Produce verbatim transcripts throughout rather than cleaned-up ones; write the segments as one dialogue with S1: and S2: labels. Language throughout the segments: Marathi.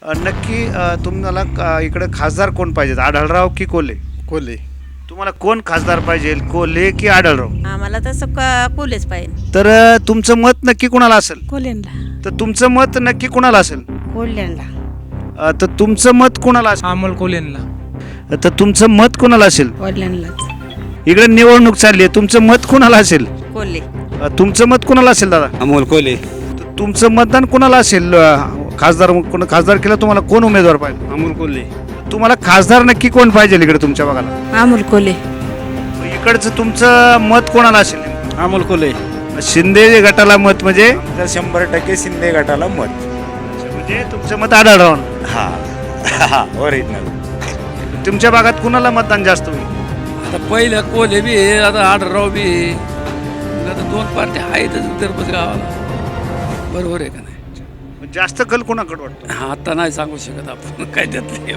S1: अ, नक्की अ, तुम्हाला अ, इकडे खासदार कोण पाहिजेत, आढळराव की कोल्हे?
S2: कोल्हे.
S1: तुम्हाला कोण खासदार पाहिजे, कोल्हे की आढळराव?
S3: आम्हाला तसं क कोल्हेच पाहिजे.
S1: तर अ, तुमचं मत नक्की कुणाला असेल?
S4: कोल्ह्यांना.
S1: तर तुमचं मत नक्की कुणाला असेल?
S4: कोल्ह्यांना.
S1: अ, तर तुमचं मत कुणाला असेल?
S5: अमोल कोल्हेंना.
S1: तर तुमचं मत कुणाला असेल?
S4: कोल्ह्यांनाच.
S1: इकडे निवडणूक चालली आहे, तुमचं मत कुणाला असेल?
S3: कोल्हे.
S1: अ, तुमचं मत कुणाला असेल दादा?
S2: अमोल कोल्हे.
S1: तर तुमचं मतदान कुणाला असेल? अ, खासदार कोण खासदार केला तुम्हाला कोण उमेदवार पाहिजे?
S2: अमोल कोल्हे.
S1: तुम्हाला खासदार नक्की कोण पाहिजे इकडे तुमच्या भागाला?
S4: अमोल कोल्हे.
S1: इकडचं तुमचं मत कोणाला असेल?
S2: अमोल कोल्हे.
S1: शिंदे गटाला मत म्हणजे
S2: तर शंभर टक्के शिंदे गटाला मत.
S1: म्हणजे तुमचं मत आढळराव.
S2: हा हा ओरिजिनल.
S1: तुमच्या भागात कुणाला मतदान जास्त होईल?
S6: आता पहिलं कोल्हे बी आहे, आता आढळराव बी आहे. मग आता दोन पार्ट्या आहेतच दरबस गावाला. बरोबर आहे का नाही?
S1: जास्त कल कोणाकडे वाटतो?
S6: हा आता नाही सांगू शकत आपण काय त्यातले.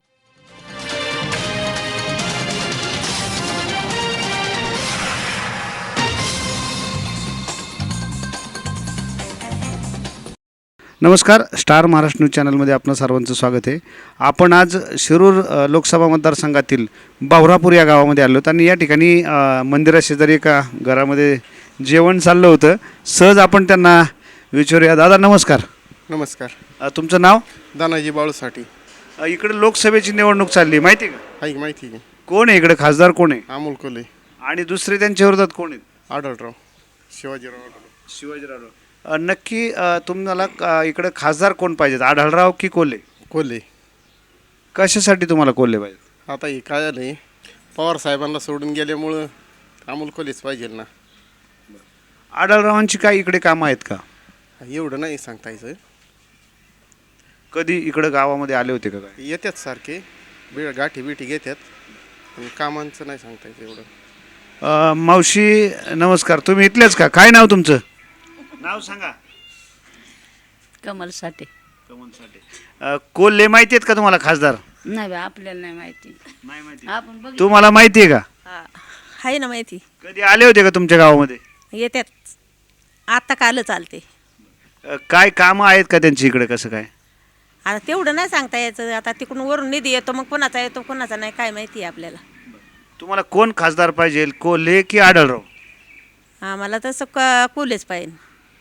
S1: नमस्कार, स्टार महाराष्ट्र न्यूज चॅनलमध्ये आपलं सर्वांचं स्वागत आहे. आपण आज शिरूर अ, लोकसभा मतदारसंघातील बावरापूर या गावामध्ये आलो आहोत आणि या ठिकाणी अ, मंदिराशेजारी एका घरामध्ये जेवण चाललं होतं. सहज आपण त्यांना विचारूया. दादा नमस्कार.
S2: नमस्कार.
S1: अ, तुमचं नाव?
S2: दानाजी बाळूसाठी.
S1: अ, इकडे लोकसभेची निवडणूक चालली आहे, माहिती आहे का?
S2: ऐक माहिती आहे.
S1: कोण आहे इकडे खासदार, कोण आहे?
S2: अमोल कोल्हे.
S1: आणि दुसरे त्यांच्या विरोधात कोण आहेत?
S2: आढळराव. शिवाजीराव आढळराव.
S1: शिवाजीराव. अ, नक्की अ, तुम्हाला अ, इकडे खासदार कोण पाहिजेत, आढळराव की कोल्हे?
S2: कोल्हे.
S1: कशासाठी तुम्हाला कोल्हे पाहिजे?
S2: आता हे काय झालं आहे, पवार साहेबांना सोडून गेल्यामुळं अमोल कोल्हेच पाहिजे ना.
S1: आढळरावांची काय इकडे कामं आहेत का?
S2: एवढं नाही सांगता यायचं.
S1: कधी इकडे गावामध्ये आले होते का काय?
S2: येतात सारखे बी गाठी बिठी घेतात, पण कामांचं नाही सांगता यायचं एवढं.
S1: अ, मावशी नमस्कार. तुम्ही इथलेच का? काय नाव तुमचं? नाव सांगा.
S3: कमलसाठी.
S1: कमलसाठी. अ, कोल्हे माहिती आहेत का तुम्हाला खासदार?
S3: नाही बा, आपल्याला नाही माहिती.
S1: नाही माहिती.
S3: आपण बघ.
S1: तुम्हाला माहिती आहे का?
S3: हा, आहे ना माहिती.
S1: कधी आले होते का तुमच्या गावामध्ये?
S3: येतात. आता काल चालते.
S1: अ, काय कामं आहेत का त्यांची इकडे, कसं काय?
S3: आता तेवढं नाही सांगता यायचं. आता तिकडून वरून निधी येतो, मग कोणाचा येतो कोणाचा नाही काय माहिती आहे आपल्याला.
S1: तुम्हाला कोण खासदार पाहिजे, कोल्हे की आढळराव?
S3: आम्हाला तसं क कोल्हेच पाहिजे.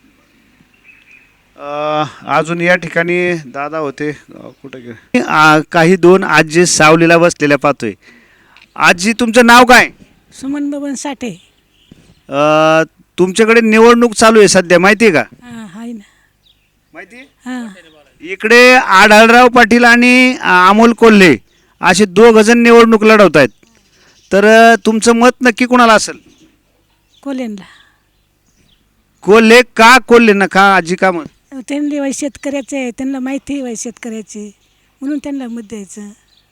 S1: अ, अजून या ठिकाणी दादा होते. अ, कुठे गेले? आ, काही दोन आजी सावलीला बसलेल्या पाहतोय. आजी तुमचं नाव काय?
S4: सुमन बबन साठे.
S1: अ, तुमच्याकडे निवडणूक चालू आहे सध्या, माहिती आहे का?
S4: हा आहे ना.
S1: माहिती आहे.
S4: हा.
S1: इकडे आढळराव पाटील आणि अ, अमोल कोल्हे असे दोघ जण निवडणूक लढवत आहेत. तर अ, तुमचं मत नक्की कुणाला असेल?
S4: कोल्ह्यांना.
S1: कोल्हे का? कोल्हे ना का आजी का? मग
S4: त्यांनी वय शेतकऱ्याचे आहे, त्यांना माहिती आहे वय शेतकऱ्याचे, म्हणून त्यांना मत द्यायचं.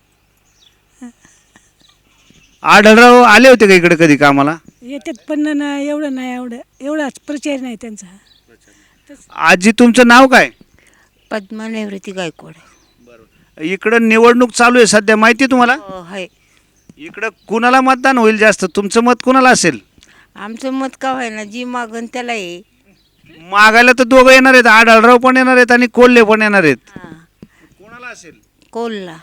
S1: आढळराव आले होते का इकडे कधी कामाला?
S4: येतात पण ना एवढं नाही, एवढं एवढाच परिचय नाही त्यांचा.
S1: आजी तुमचं नाव काय?
S3: पद्मा निवृत्ती गायकवाड.
S1: इकडं निवडणूक चालू आहे सध्या, माहिती आहे तुम्हाला?
S3: हो आहे.
S1: इकडं कुणाला मतदान होईल जास्त? तुमचं मत कुणाला असेल?
S3: आमचं मत का व्हायना, जी मागन त्याला आहे.
S1: मागायला तर दोघं येणार आहेत, आढळराव पण येणार आहेत आणि कोल्हे पण येणार आहेत. कोणाला असेल?
S3: कोल्हा.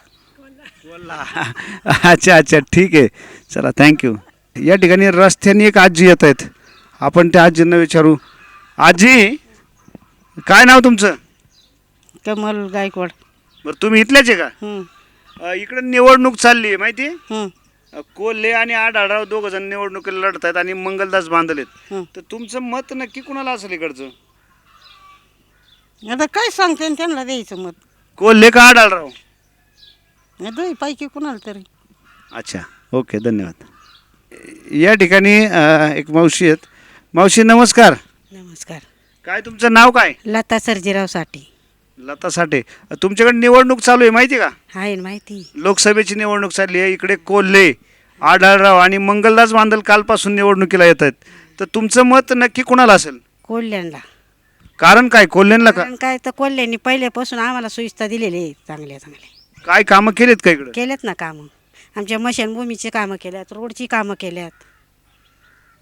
S1: अच्छा अच्छा, ठीक आहे. चला, थँक्यू. या ठिकाणी रस्त्याने एक आजी येत आहेत, आपण त्या आजींना विचारू. आजी काय नाव तुमचं?
S4: कमल गायकवाड.
S1: बरं, तुम्ही इथल्याच आहे का? अ, इकडे निवडणूक चालली आहे, माहिती आहे? अ, कोल्हे आणि आढळराव दोघ जण निवडणुकीला लढत आहेत आणि मंगलदास बांधलेत. तर तुमचं मत नक्की कुणाला असेल इकडचं?
S7: आता काय सांगते न त्यांना द्यायचं मत.
S1: कोल्हे का आढळराव?
S7: दोन्ही पैकी कुणाला तरी.
S1: अच्छा, ओके, धन्यवाद. या ठिकाणी अ, एक मावशी आहेत. मावशी नमस्कार.
S4: नमस्कार.
S1: काय तुमचं नाव काय?
S7: लता सर्जीराव साठी.
S1: लता साठे. तुमच्याकडे निवडणूक चालू आहे, माहिती आहे का?
S7: आहे ना माहिती.
S1: लोकसभेची निवडणूक चालली आहे. इकडे कोल्हे, आढळराव आणि मंगलदास बांधल कालपासून निवडणुकीला येत आहेत. तर तुमचं मत नक्की कुणाला असेल?
S7: कोल्ह्यांना.
S1: कारण काय? कोल्ह्यांना का?
S7: कारण काय तर कोल्ह्यांनी पहिल्यापासून आम्हाला सुविधा दिलेली आहे, चांगल्या चांगल्या
S1: काय कामं केलीत का इकडे?
S7: केल्यात ना कामं. आमच्या मशानभूमीची कामं केल्यात, रोडची कामं केल्यात.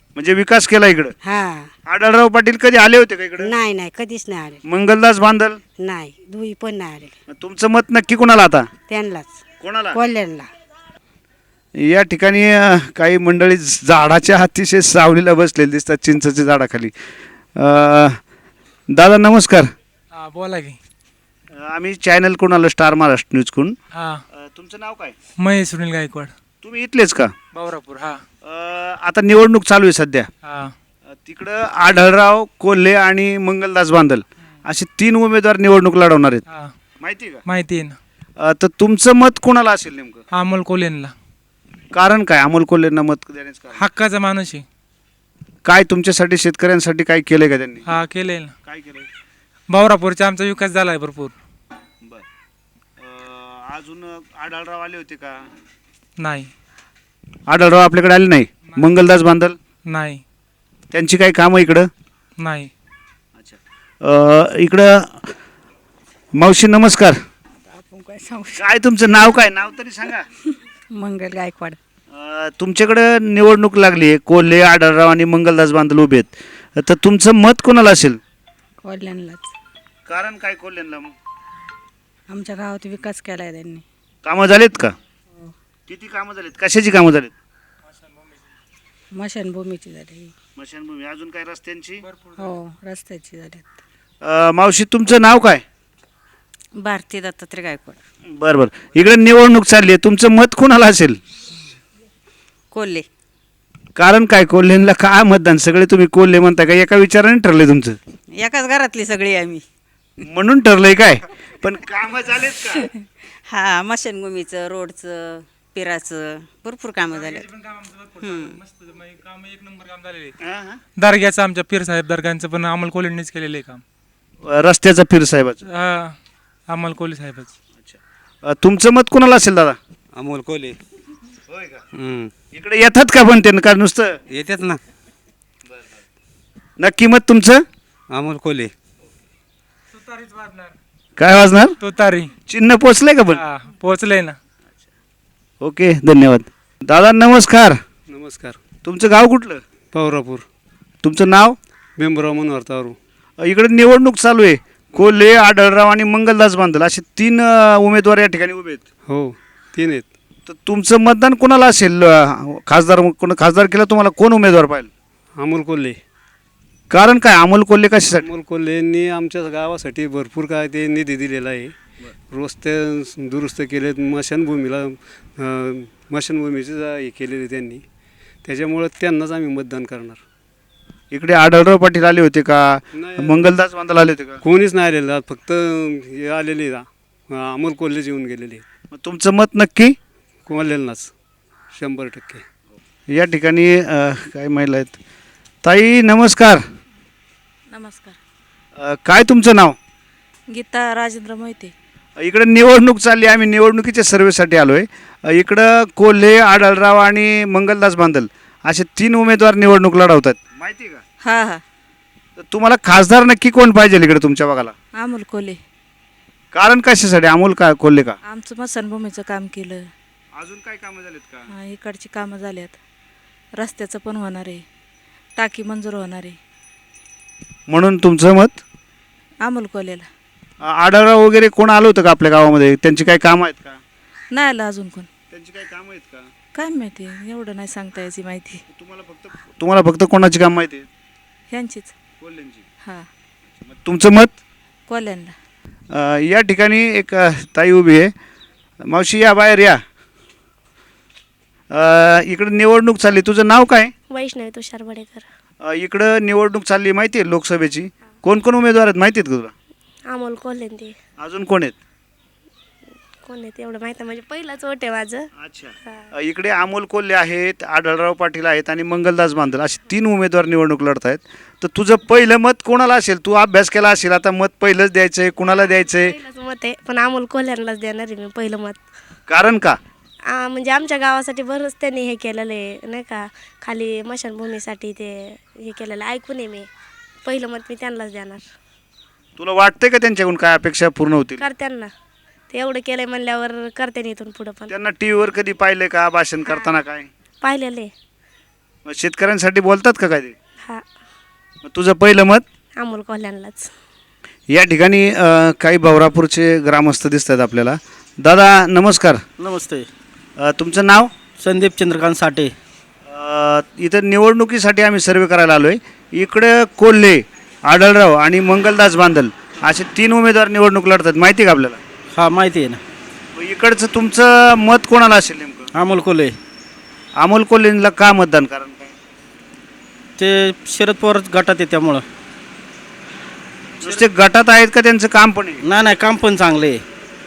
S1: म्हणजे विकास केला इकडं.
S7: हा
S1: आढळराव पाटील कधी आले होते का इकडं?
S7: नाही नाही कधीच नाही आले.
S1: मंगलदास बांदल,
S7: नाही दुई पण नाही आले.
S1: मग तुमचं मत नक्की कोणाला आता?
S7: त्यांनाच
S1: कोणाला?
S7: कल्याणला.
S1: या ठिकाणी अ, काही मंडळी झाडाच्या अतिशय सावलीला बसलेली दिसतात चिंचेच्या झाडाखाली. अ, दादा नमस्कार.
S5: हा बोला की.
S1: अ, आम्ही चॅनल कोण आलो स्टार महाराष्ट्र न्यूज कोण.
S5: हा
S1: तुमचं नाव काय?
S5: महेश सुनील गायकवाड,
S1: तुम्ही इथलेच का?
S5: बावरापूर. हा
S1: अ, आता निवडणूक चालू आहे सध्या.
S5: हा
S1: अ, तिकडं आढळराव, कोल्हे आणि मंगलदास बांदल असे तीन उमेदवार निवडणूक लढवणार आहेत,
S5: हा
S1: माहिती आहे का?
S5: माहिती आहे ना.
S1: अ, तर तुमचं मत कोणाला असेल नेमकं?
S5: अमोल कोल्हेनला.
S1: कारण काय अमोल कोल्हेंना मत देण्याचं कारण?
S5: हक्काचा माणूस आहे.
S1: काय तुमच्यासाठी शेतकऱ्यांसाठी काय केलंय का त्यांनी?
S5: हा केलंय ना.
S1: काय केलंय?
S5: बावरापूरचा आमचा विकास झालाय भरपूर.
S1: बर. अजून आढळराव आले होते का?
S5: नाही
S1: आढळराव आपल्याकडे आले नाही. मंगलदास बांदल
S5: नाही
S1: त्यांची काही कामं इकडं?
S5: नाही.
S1: अ, इकडं मावशी नमस्कार.
S4: आपण काय सांगू.
S1: काय तुमचं नाव काय? नाव तरी सांगा.
S4: मंगल गायकवाड.
S1: अ, तुमच्याकडं निवडणूक लागली आहे. कोल्हे, आढळराव आणि मंगलदास बांदल उभे आहेत. तर तुमचं मत कोणाला असेल?
S4: कल्याणलाच.
S1: कारण काय कोल्हेंना? मग
S4: आमच्या गावात विकास केलाय त्यांनी.
S1: कामं झालेत का? किती कामं झालीत? कशाची कामं झालीत?
S4: मशानभूमीची झाली.
S1: स्मशानभूमी. अजून काय रस्त्यांची?
S4: हो रस्त्याची झाली.
S1: अ, मावशी तुमचं नाव काय?
S3: भारती दत्तात्रय गायकवाड.
S1: बरं बरं. इकडे निवडणूक चालली आहे. तुमचं मत कोणाला असेल?
S3: कोल्हे.
S1: कारण काय? कोल्हेंना काय मतदान? सगळे तुम्ही कोल्हे म्हणता का? एका विचाराने ठरलंय तुमचं?
S3: एकाच घरातली सगळी आम्ही.
S1: म्हणून ठरलंय काय? पण कामं झालेत का?
S3: हा मशानभूमीचं, रोडचं, पिराचं भरपूर कामं झाले.
S5: काम एक नंबर काम झालेले.
S1: हा, हा.
S5: दर्ग्याचं आमच्या पीर साहेब दर्ग्यांचं पण अमोल कोल्हेंनीच केलेलं आहे काम.
S1: रस्त्याचा पीर साहेबाचं.
S5: हा अमोल कोल्हे साहेबच.
S1: अ, तुमचं मत कोणाला असेल दादा?
S8: अमोल कोल्हे.
S1: होय का?
S8: हम्म.
S1: इकडे येतात का पण त्यांना का नुसतं?
S8: येतात ना.
S1: नक्की मत तुमचं?
S8: अमोल कोल्हे.
S1: काय वाजणार?
S5: तो तारी.
S1: चिन्ह पोचलंय का पण?
S5: हा पोहोचलंय ना.
S1: ओके धन्यवाद. दादा नमस्कार.
S8: नमस्कार.
S1: तुमचं गाव कुठलं?
S8: बावरापूर.
S1: तुमचं नाव?
S8: भीमराव मनोहर तारू.
S1: अ, इकडे निवडणूक चालू आहे. कोल्हे, आढळराव आणि मंगलदास बांदल असे तीन अ, उमेदवार या ठिकाणी उभे आहेत.
S8: हो तीन आहेत.
S1: तर तुमचं मतदान कोणाला असेल? अ, खासदार कोण खासदार केला तुम्हाला कोण उमेदवार पाहिजे?
S8: अमोल कोल्हे.
S1: कारण काय अमोल कोल्हे कशासाठी?
S8: अमोल कोल्हेंनी आमच्या गावासाठी भरपूर काय ते निधी दिलेला आहे. रस्ते दुरुस्त केलेत. मशानभूमीला अं, मशानभूमीचे जा- हे केलेले त्यांनी. त्याच्यामुळं त्यांनाच आम्ही मतदान करणार.
S1: इकडे आढळराव पाटील आले होते का?
S8: नाही.
S1: मंगलदास बांदल आले होते का?
S8: कोणीच नाही आलेलं आज फक्त हे आलेले आहेत. अं, अमोल कोल्हेच येऊन गेलेले आहेत.
S1: मग तुमचं मत नक्की?
S8: कोल्हेंनाच शंभर टक्के.
S1: या ठिकाणी अ, काही महिला आहेत. ताई नमस्कार.
S9: नमस्कार.
S1: अ, काय तुमचं नाव?
S9: गीता राजेंद्र मोहिते.
S1: इकडे निवडणूक चालली. आम्ही निवडणुकीच्या सर्वेसाठी आलो आहे. इकडं कोल्हे, आढळराव आणि मंगलदास बांदल असे तीन उमेदवार निवडणूक लढवतात, माहिती आहे का?
S9: हा हा
S1: तर तुम्हाला खासदार नक्की कोण पाहिजे इकडे तुमच्या भागाला?
S9: अमोल कोल्हे.
S1: कारण कशासाठी? अमोल का कोल्हे का?
S9: आमचं मसनभूमीचं काम केलं.
S1: अजून काय कामं झालीत का?
S9: हा, इकडची कामं झाल्यात. रस्त्याचं पण होणार आहे. टाकी मंजूर होणार आहे.
S1: म्हणून तुमचं मत
S9: अमोल कोल्हेला.
S1: आढळराव वगैरे कोण आलं होतं का आपल्या गावामध्ये? त्यांची काही कामं आहेत का?
S9: नाही आलं अजून कोण.
S1: त्यांची काही कामं आहेत का?
S9: काय माहिती एवढं नाही सांगता याची माहिती.
S1: तुम्हाला फक्त तुम्हाला फक्त कोणाची काम माहिती आहे?
S9: ह्यांचीच.
S1: कोल्ह्यांची.
S9: हा
S1: तुमचं मत?
S9: कोल्ह्यांना.
S1: अ, या ठिकाणी एक अ, ताई उभी आहे. मावशी या बाहेर या. अ, इकडं निवडणूक चालली. तुझं नाव काय?
S10: वैष्णवी तुषार बडेकर.
S1: अ, इकडं निवडणूक चालली माहिती आहे लोकसभेची. कोण कोण उमेदवार आहेत माहिती आहेत का तुला?
S10: अमोल कोल्हे ते.
S1: अजून कोण आहेत?
S10: कोण आहे ते एवढं माहिती म्हणजे पहिलाच वोट आहे माझं.
S1: अच्छा. अ, इकडे अमोल कोल्हे आहेत, आढळराव पाटील आहेत आणि मंगलदास बांदल असे तीन उमेदवार निवडणूक लढत आहेत. तर तुझं पहिलं मत कोणाला असेल? तू अभ्यास केला असेल, आता मत पहिलंच द्यायचंय. कुणाला द्यायचंय?
S10: पहिलंच मत आहे पण अमोल कोल्ह्यांनाच देणार आहे मी पहिलं मत.
S1: कारण का?
S10: आ, म्हणजे आमच्या गावासाठी बरंच त्यांनी हे केलेलं आहे नाही का. खाली मशानभूमीसाठी ते हे केलेलं आहे. ऐकून आहे मी. पहिलं मत मी त्यांनाच देणार.
S1: तुला वाटतंय का त्यांच्याकडून काय अपेक्षा पूर्ण होतील?
S10: करत्यांना ते एवढं केलंय म्हणल्यावर करते इथून पुढं पण.
S1: त्यांना टी व्हीवर कधी पाहिलंय का भाषण करताना? काय
S10: पाहिलेलं आहे.
S1: मग शेतकऱ्यांसाठी बोलतात का काय ते?
S10: हा
S1: मग तुझं पहिलं मत?
S10: अमोल कोल्ह्यांनाच.
S1: या ठिकाणी अ, काही भावरापूरचे ग्रामस्थ दिसतात आपल्याला. दादा नमस्कार.
S11: नमस्ते.
S1: अ, तुमचं नाव?
S11: संदीप चंद्रकांत साठे.
S1: अ, इथं निवडणुकीसाठी आम्ही सर्वे करायला आलो आहे. इकडे कोल्हे, आढळराव आणि मंगलदास बांदल असे तीन उमेदवार निवडणूक लढतात, माहिती आहे का आपल्याला?
S11: हा माहिती आहे ना.
S1: मग इकडचं तुमचं मत कोणाला असेल नेमकं?
S11: अमोल कोल्हे.
S1: अमोल कोल्हेंना का मतदान? कारण काय?
S11: ते शरद पवार गटात आहे त्यामुळं.
S1: नुसते गटात आहेत का त्यांचं काम पण आहे?
S11: नाही नाही, काम पण चांगले आहे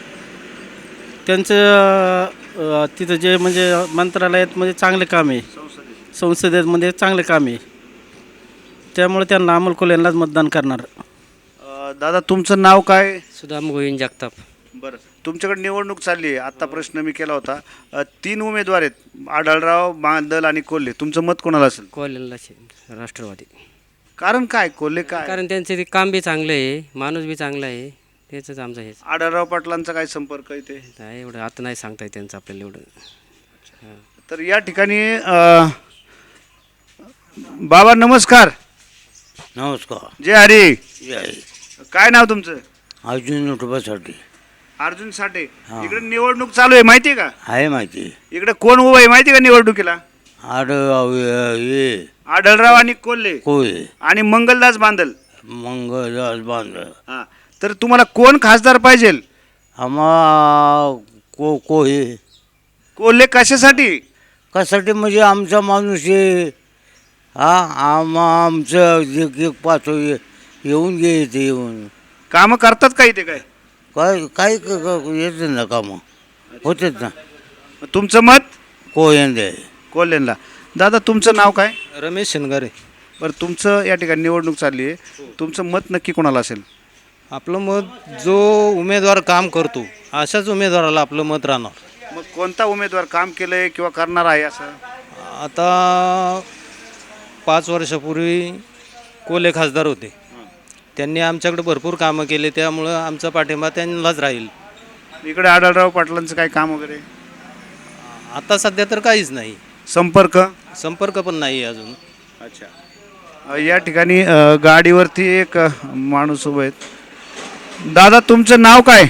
S11: त्यांचं. अं, तिथं जे म्हणजे मंत्रालयात म्हणजे चांगले काम आहे, संसदेमध्ये चांगले काम आहे, त्यामुळे त्यांना अमोल कोल्हेंनाच मतदान करणार.
S1: अ, दादा तुमचं नाव काय?
S12: सुदाम गोविंद जगताप.
S1: बरं, तुमच्याकडे निवडणूक चालली आहे. आत्ता प्रश्न मी केला होता. अ, तीन उमेदवार आहेत, आढळराव, बांदल आणि कोल्हे. तुमचं मत कोणाला असेल?
S12: कोल्ह्याला राष्ट्रवादी.
S1: कारण काय? कोल्हे काय?
S12: कारण त्यांचे ते काम बी चांगलं आहे, माणूस बी चांगला आहे, त्याचंच आमचं हेच.
S1: आढळराव पाटलांचा काय संपर्क आहे ते?
S12: काय एवढं आता नाही सांगता येत त्यांचं आपल्याला एवढं.
S1: तर या ठिकाणी अ, बाबा नमस्कार.
S13: नमस्कार.
S1: जय हरी.
S13: जय.
S1: काय नाव तुमचं?
S13: अर्जुन युट्यूबसाठी.
S1: अर्जुन साठे. इकडे निवडणूक चालू आहे, माहिती आहे का?
S13: आहे माहिती.
S1: इकडे कोण उभं आहे माहिती आहे का निवडणुकीला?
S13: आड ये
S1: आढळराव आणि कोल्हे
S13: कोय
S1: आणि मंगलदास बांदल.
S13: मंगळदास बांधळ.
S1: हा, तर तुम्हाला कोण खासदार पाहिजे?
S13: आम्हा को कोहे.
S1: कोल्हे कशासाठी?
S13: कशासाठी म्हणजे आमचा माणूस आहे. हा आम्हा आमचं जे जे पाचो ये येऊन गे इथे येऊन
S1: कामं करतात का इथे? काय
S13: काय काय येत ना कामं होतेच ना.
S1: तुमचं मत?
S13: कोयंदे.
S1: कोल्हेंना. दादा तुमचं नाव काय?
S11: रमेश शेनगारे.
S1: बरं, तुमचं या ठिकाणी निवडणूक चालली आहे, तुमचं मत नक्की कोणाला असेल?
S11: आपलं मत जो उमेदवार काम करतो अशाच उमेदवाराला आपलं मत राहणार.
S1: मग कोणता उमेदवार काम केलंय किंवा करणार आहे असं?
S11: आता पाच वर्षापूर्वी कोल्हे खासदार होते, त्यांनी आमच्याकडे भरपूर कामं केले, त्यामुळं आमचा पाठिंबा त्यांनाच राहील.
S1: इकडे आढळराव पाटलांचं काय काम वगैरे?
S11: आता सध्या तर काहीच नाही,
S1: संपर्क?
S11: संपर्क पण नाही अजून.
S1: अच्छा. अ, या ठिकाणी अ, गाडीवरती एक अ, माणूस उभं आहेत. दादा तुमचं नाव काय?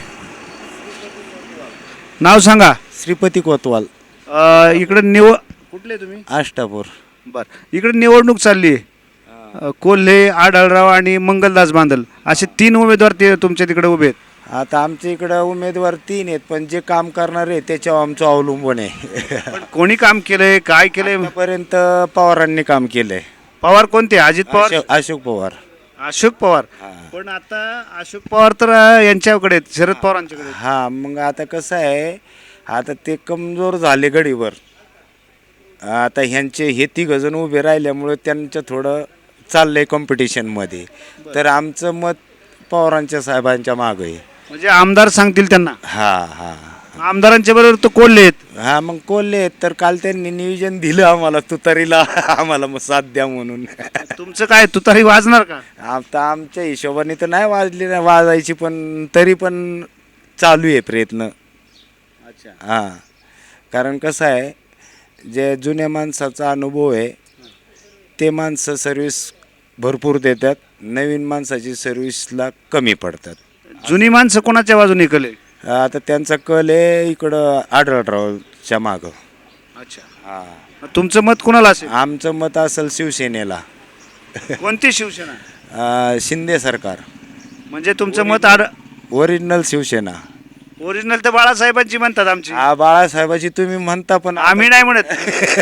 S1: नाव सांगा.
S8: श्रीपती कोतवाल.
S1: अ, इकडे निव कुठले तुम्ही?
S8: आष्टापूर.
S1: बरं, इकडे निवडणूक चालली आहे. अ, कोल्हे, आढळराव आणि मंगलदास बांदल असे तीन उमेदवार ते तुमच्या तिकडे उभे आहेत.
S8: आता आमच्या इकडं उमेदवार तीन आहेत, पण जे काम करणारे त्याच्यावर आमचं अवलंबून आहे.
S1: पण कोणी काम केलंय, काय केलंय?
S8: आतापर्यंत पवारांनी काम केलंय.
S1: पवार कोणते? अजित पवार?
S8: अशोक अशोक पवार.
S1: अशोक पवार. पण आता अशोक पवार तर अ, यांच्याकडे आहेत, शरद पवारांच्याकडे आहेत.
S8: हा, मग आता कसं आहे, आता ते कमजोर झाले गडीवर. आता ह्यांचे हे तिघ जण उभे राहिल्यामुळे त्यांचं थोडं चाललंय कॉम्पिटिशनमध्ये. तर आमचं मत पवारांच्या साहेबांच्या मागं आहे.
S1: म्हणजे आमदार सांगतील त्यांना?
S8: हा हा.
S1: आमदारांच्या बरोबर तो कोल्हे आहेत.
S8: हा, मग कोल्हे आहेत, तर काल त्यांनी नियोजन दिलं आम्हाला तुतारीला आम्हाला मग साथ द्या म्हणून.
S1: तुमचं काय तुतारी वाजणार का?
S8: आता आमच्या हिशोबाने तर नाही वाजली, नाही वाजायची, पण तरी पण चालू आहे प्रयत्न.
S1: अच्छा.
S8: हां, कारण कसं आहे, जे जुन्या माणसाचा अनुभव आहे ते माणसं सर्विस भरपूर देतात, नवीन माणसाची सर्विसला कमी पडतात.
S1: जुनी माणसं कोणाच्या बाजूने कले?
S8: आता त्यांचा कल आहे इकडं आढळरावच्या मागं.
S1: अच्छा.
S8: हां,
S1: तुमचं मत कोणाला असेल?
S8: आमचं मत असेल शिवसेनेला.
S1: कोणती शिवसेना?
S8: अं, शिंदे सरकार.
S1: म्हणजे तुमचं मत आड
S8: ओरिजिनल शिवसेना.
S1: ओरिजिनल तर बाळासाहेबांची म्हणतात आमची.
S8: हा, बाळासाहेबाची तुम्ही म्हणता, पण
S1: आम्ही नाही म्हणत.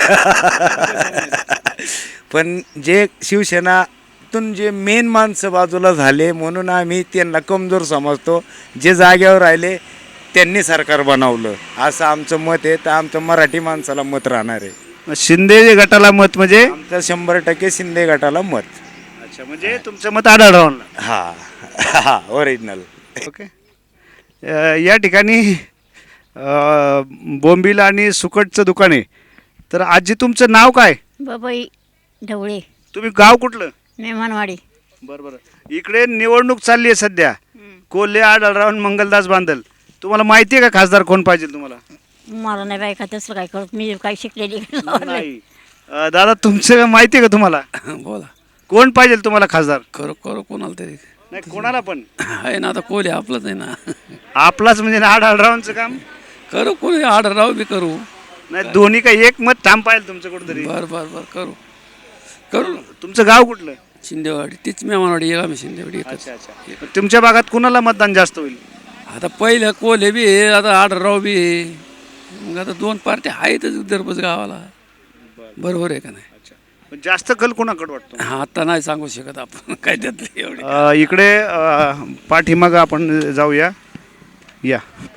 S8: पण जे शिवसेनातून जे मेन माणसं बाजूला झाले म्हणून आम्ही त्यांना कमजोर समजतो. जे जाग्यावर राहिले त्यांनी सरकार बनवलं असं आमचं मत आहे. तर आमचं मराठी माणसाला मत राहणार आहे.
S1: शिंदे गटाला मत म्हणजे?
S8: आमचं शंभर टक्के शिंदे गटाला मत.
S1: अच्छा, म्हणजे तुमचं मत आढळरावांना?
S8: हा हा, ओरिजिनल.
S1: ओके. या ठिकाणी अ, बोंबील आणि सुकटचं दुकान आहे. तर आजी तुमचं नाव काय?
S7: बाबाई ढवळे.
S1: तुम्ही गाव कुठलं?
S7: मेहमानवाडी.
S1: बरं बरं. इकडे निवडणूक चालली आहे सध्या. कोल्हे, आढळराव आणि मंगलदास बांदल. तुम्हाला माहिती आहे का खासदार कोण पाहिजे तुम्हाला?
S7: मला नाही बायका तसं काय कळत, मी काही शिकलेली
S1: नाही. अ, दादा तुमचं माहिती आहे का तुम्हाला
S6: बोला
S1: कोण पाहिजे तुम्हाला खासदार?
S6: करू करू कोणाला तरी
S1: नाही कोणाला पण
S6: आहे ना, आता कोले आपलंच आहे ना.
S1: आपलाच म्हणजे आढळरावांचं काम.
S6: करू कोणी ऑर्डर राहू बी करू.
S1: नाही दोन्ही काही एक मत ठाम पाहिजे तुमचं कुठंतरी.
S6: बर बर बर करू करू.
S1: तुमचं गाव कुठलं?
S6: शिंदेवाडी तीच मेहमानवाडी एक आम्ही शिंदेवाडी एकच.
S1: अच्छा अच्छा. तुमच्या भागात कुणाला मतदान जास्त होईल?
S6: आता पहिलं कोले बी आहे, आता ऑर्डर राहू बी आहे. मग आता दोन पार्ट्या आहेतच दरबस गावाला. बरोबर आहे का नाही?
S1: पण जास्त कल कोणाकडे वाटतो?
S6: हा आता नाही सांगू शकत आपण काय त्यातले एवढे.
S1: अ, इकडे अ, पाठीमागं आपण जाऊया. या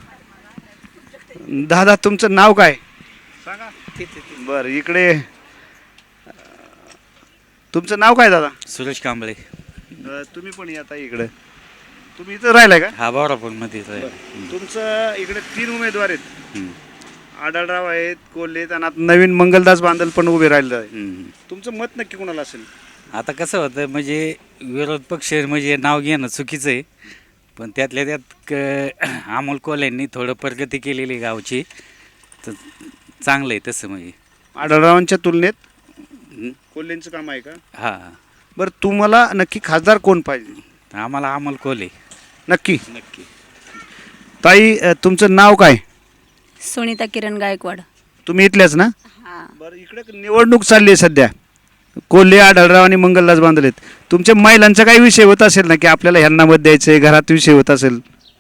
S1: दादा तुमचं नाव काय? बरं इकडे अ, तुमचं नाव काय दादा?
S13: सुरेश कांबळे.
S1: अ, तुम्ही पण येता इकडे. तुम्ही इथं राहिलाय का?
S13: हा बावरापूरमध्ये
S1: तुमचं इकडे तीन उमेदवार आहेत. आढळराव आहेत, कोल्हे आहेत आणि आता नवीन मंगलदास बांदल पण उभे राहिले आहे. तुमचं मत नक्की कोणाला असेल?
S13: आता कसं होतं म्हणजे विरोध पक्ष म्हणजे नाव घेणं चुकीचं आहे, पण त्यातल्या त्यात क अमोल कोल्हेंनी थोडं प्रगती केलेली गावची, तर चांगलं आहे तसं म्हणजे.
S1: आढळरावांच्या तुलनेत कोल्हेंचं काम आहे का?
S13: हां
S1: बरं तुम्हाला नक्की खासदार कोण पाहिजे?
S13: आम्हाला अमोल कोल्हे.
S1: नक्की
S13: नक्की.
S1: ताई अ, तुमचं नाव काय?
S9: सुनीता किरण गायकवाड.
S1: तुम्ही इथल्याच ना?
S9: हां.
S1: बरं इकडे निवडणूक चालली आहे सध्या. कोल्हे, आढळराव आणि मंगलदास बांधल आहेत. तुमच्या महिलांचा काही विषय होत असेल ना की आपल्याला ह्यांना मत द्यायचे, घरात विषय होत असेल?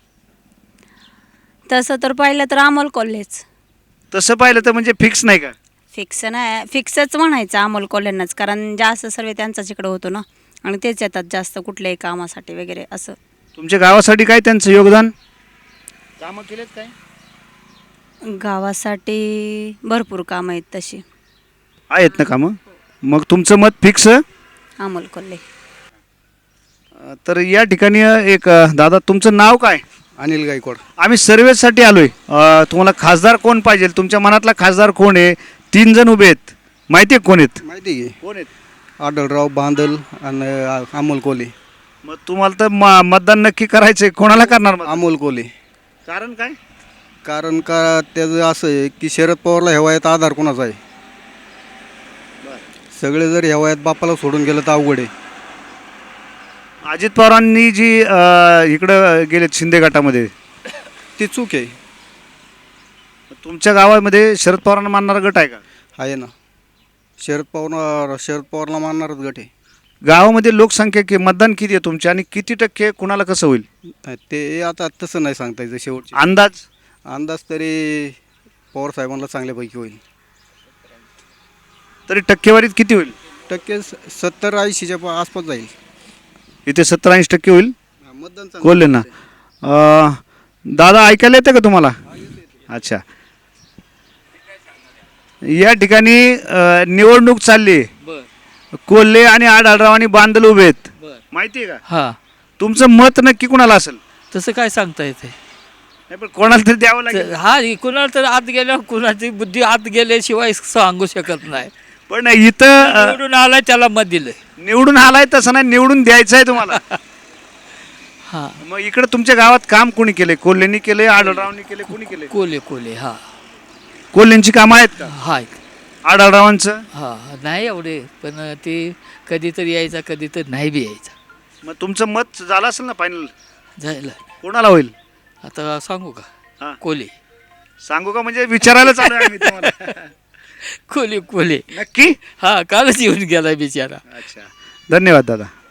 S9: तसं तर पाहिलं तर अमोल कोल्हेच.
S1: तसं पाहिलं तर म्हणजे फिक्स नाही का?
S9: फिक्स नाही, फिक्सच म्हणायचं अमोल कोल्हेंनाच, कारण जास्त सर्व त्यांचाच इकडं होतो ना, आणि तेच येतात जास्त कुठल्याही कामासाठी वगैरे असं.
S1: तुमच्या गावासाठी काय त्यांचं योगदान? कामं केलेत काय?
S9: गावासाठी भरपूर कामं आहेत तशी.
S1: आहेत ना कामं? मग तुमचं मत फिक्स?
S9: अमोल कोल्हे.
S1: अ, तर या ठिकाणी एक अ, दादा तुमचं नाव काय?
S8: अनिल गायकवाड.
S1: आम्ही सर्वेसाठी आलोय. अ, तुम्हाला खासदार कोण पाहिजे? तुमच्या मनातला खासदार कोण आहे? तीन जण उभे आहेत, माहिती आहे कोण आहेत?
S8: माहिती आहे
S1: कोण आहेत?
S8: आढळराव, बांदल आणि अमोल कोल्हे.
S1: मग तुम्हाला तर म- मतदान नक्की करायचंय. कोणाला करणार मतदान?
S8: अमोल कोल्हे.
S1: कारण काय?
S8: कारण का त्याचं असं आहे की शरद पवारला ह्या वयात आधार कोणाचा आहे? सगळे जर ह्या वयात बापाला सोडून गेलं तर अवघड आहे.
S1: अजित पवारांनी जी अ, इकडं गेलेत शिंदे गटामध्ये,
S8: ती चूक आहे.
S1: तुमच्या गावामध्ये शरद पवारांना मानणारा गट आहे का?
S8: आहे ना, शरद पवार शरद पवारला मानणारच गट आहे.
S1: गावामध्ये लोकसंख्या कि मतदान किती आहे तुमच्या आणि किती टक्के कुणाला कसं होईल?
S8: ते आता तसं नाही सांगता येतं शेवटचे
S1: अंदाज?
S8: अंदाज तरी पवार साहेबांना चांगल्यापैकी होईल.
S1: तरी टक्केवारीत किती होईल?
S8: टक्के सत्तर ऐंशीच्या प- आसपास जाईल.
S1: इथे सत्तर ऐंशी टक्के होईल
S8: मतदान चांगलं
S1: कोल्हे ना. अ, दादा ऐकायला येतं का तुम्हाला? अच्छा. या ठिकाणी अ, निवडणूक चालली आहे. कोल्हे आणि आढळराव आणि बांदल उभे आहेत, माहिती आहे का?
S6: हा
S1: तुमचं मत नक्की कुणाला असेल?
S6: तसं काय सांगता येते.
S1: नाही पण कोणाला तरी द्यावं लागेल.
S6: हा कुणाला तर आत गेल्या कुणाची बुद्धी आत गेल्याशिवाय सांगू शकत नाही.
S1: पण इथं अ,
S6: निवडून आलाय त्याला मत दिलंय.
S1: निवडून आलाय तसं नाही, निवडून द्यायचं आहे तुम्हाला.
S6: हा
S1: मग इकडे तुमच्या गावात काम कोणी केले? कोल्हेंनी केले, आढळरावांनी केले, कोणी केले?
S6: कोले कोले हा
S1: कोल्हेंची कामं आहेत का?
S6: हाय.
S1: आढळरावांचं?
S6: हा नाही एवढे, पण ते कधीतरी यायचा कधीतरी नाही बी यायचा.
S1: मग तुमचं मत झालं असेल ना फायनल?
S6: जायला
S1: कोणाला होईल?
S6: आता सांगू
S1: हा.
S6: का? कोले
S1: सांगू का म्हणजे विचारायला चालू आहे आम्ही तुम्हाला.
S6: कोले कोले
S1: नक्की?
S6: हा कालच येऊन गेला बिचारा.
S1: अच्छा, धन्यवाद दादा.